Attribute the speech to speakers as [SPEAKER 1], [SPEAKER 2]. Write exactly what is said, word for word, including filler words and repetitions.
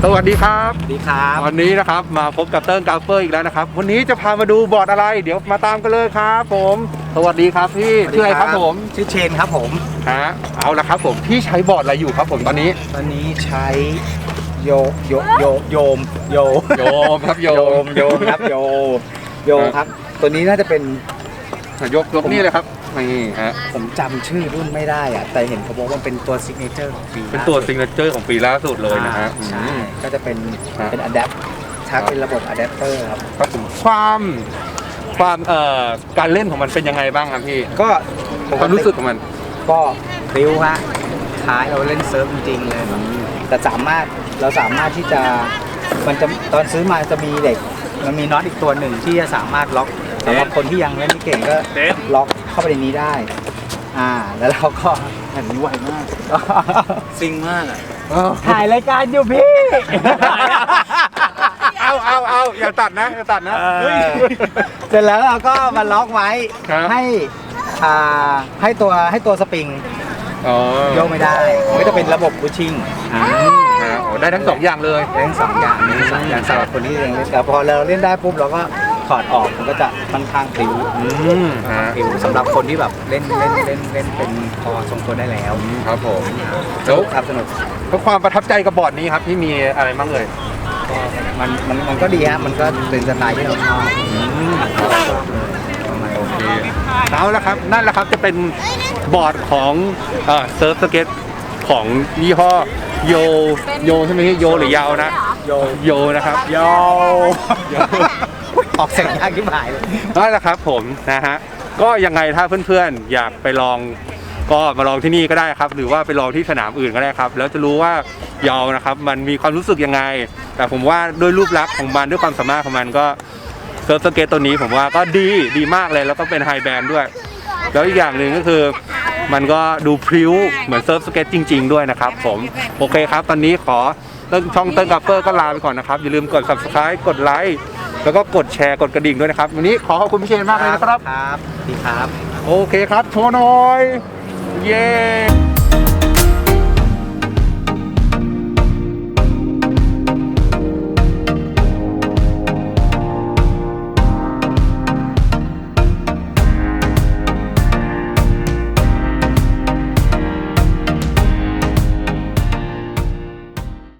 [SPEAKER 1] วัสดีครับ
[SPEAKER 2] สวัสดีครับ
[SPEAKER 1] วันนี้นะครับมาพบกับเติ้งกาเฟอร์อีกแล้วนะครับวันนี้จะพามาดูบอร์ดอะไรเดี๋ยวมาตามกันเลยครับผมสวัสดีครับพี่ชื่ออะไรครับผม
[SPEAKER 2] ชื่อเชนครับผม
[SPEAKER 1] ฮะเอาละครับผมพี่ใช้บอร์ดอะไรอยู่ครับผมตอนนี้
[SPEAKER 2] ตอนนี้ใช้โยโยโยโยมโย
[SPEAKER 1] โยมครับโยม
[SPEAKER 2] โยมครับโยโยครับตัวนี้น่าจะเป็น
[SPEAKER 1] ยกยกนี่เลยครับนี่ฮะ
[SPEAKER 2] ผมจำชื่อรุ่นไม่ได้อะแต่เห็นเขาบอกว่าเป็นตัวซิกเนเจอร์ของปี
[SPEAKER 1] เป็นตัวซิกเนเจอร์ของปีล่าสุดเลยนะฮะ
[SPEAKER 2] ใช่ก็จะเป็นเป็นอะแดปชักเป็นระบบอะแดปเตอร์ครับ
[SPEAKER 1] ครับผมความความเอ่อการเล่นของมันเป็นยังไงบ้างครับพี่
[SPEAKER 2] ก็
[SPEAKER 1] ความรู้สึกของมัน
[SPEAKER 2] ก็ริ้วฮะคล้ายเราเล่นเซิร์ฟจริงๆเลยแต่สามารถเราสามารถที่จะมันจะตอนซื้อมาจะมีเด็กมันมีน็อตอีกตัวหนึ่งที่จะสามารถล็อกสำหรับคนที่ยังเล่นไม่เก่งก็ล็อกเข้าไปในนี้ได้อ่าแล้วเราก็อันนี้ไวมากซิงมากอ่ะถ่ายรายการอยู่พี่
[SPEAKER 1] เอาเอาเอาอย่าตัดนะอย่าตัดนะ
[SPEAKER 2] เสร็จแล้วเราก็มาล็อกไว้ให้อ่าให้ตัวให้ตัวสปริงโยกไม่ได้ก็จะเป็นระบบบูชิ่ง
[SPEAKER 1] ได้ทั้งสองอย่างเลย
[SPEAKER 2] ได้ทั้งสองอย่างได้ทั้งสองอย่างสำหรับคนที่ยังเล่นแต่พอเราเล่นได้ปุ๊บเราก็ถอดออกมันก็จะค่อนข้างพลิ้วพลิ้วสำหรับคนที่แบบเล่นเล่นเล่นเล่นเป็นพอทรงตัวได้แล้ว
[SPEAKER 1] ครับผม
[SPEAKER 2] แล้วครับสนุก
[SPEAKER 1] เพราะความประทับใจกับบอร์ดนี้ครับที่มีอะไรบ้างเลย
[SPEAKER 2] มันมันมันก็ดีฮะมันก็เป็นสไตล์ที่เราชอบ
[SPEAKER 1] โอเคเอาละครับนั่นแหละครับจะเป็นบอร์ดของเอ่อเซิร์ฟสเก็ตของยี่ห้อโยโยใช่ไหมโยหรือยาวนะ
[SPEAKER 2] โย
[SPEAKER 1] โยนะครับ
[SPEAKER 2] โยออกเสียงยากที่หายเลย
[SPEAKER 1] นั่นแหละครับผมนะฮะก็ยังไงถ้าเพื่อนๆอยากไปลองก็มาลองที่นี่ก็ได้ครับหรือว่าไปลองที่สนามอื่นก็ได้ครับแล้วจะรู้ว่ายาวนะครับมันมีความรู้สึกยังไงแต่ผมว่าด้วยรูปลักษณ์ของมันด้วยความสามารถของมันก็เซิร์ฟสเก็ตตัวนี้ผมว่าก็ดีดีมากเลยแล้วก็เป็นไฮแบนด์ด้วยแล้วอีกอย่างหนึ่งก็คือมันก็ดูพริ้วเหมือนเซิร์ฟสเก็ตจริงๆด้วยนะครับผมโอเคครับตอนนี้ขอช่องเติ้งกาเฟอร์ก็ลาไปก่อนนะครับอย่าลืมกด ซับสไครบ์ กดไลค์แล้วก็กดแชร์กดกระดิ่งด้วยนะครับวันนี้ขอขอบคุณพี่เชนมากเลยนะครับ
[SPEAKER 2] ครับดีครับ
[SPEAKER 1] โอเคครับโชว์หน่อยเย้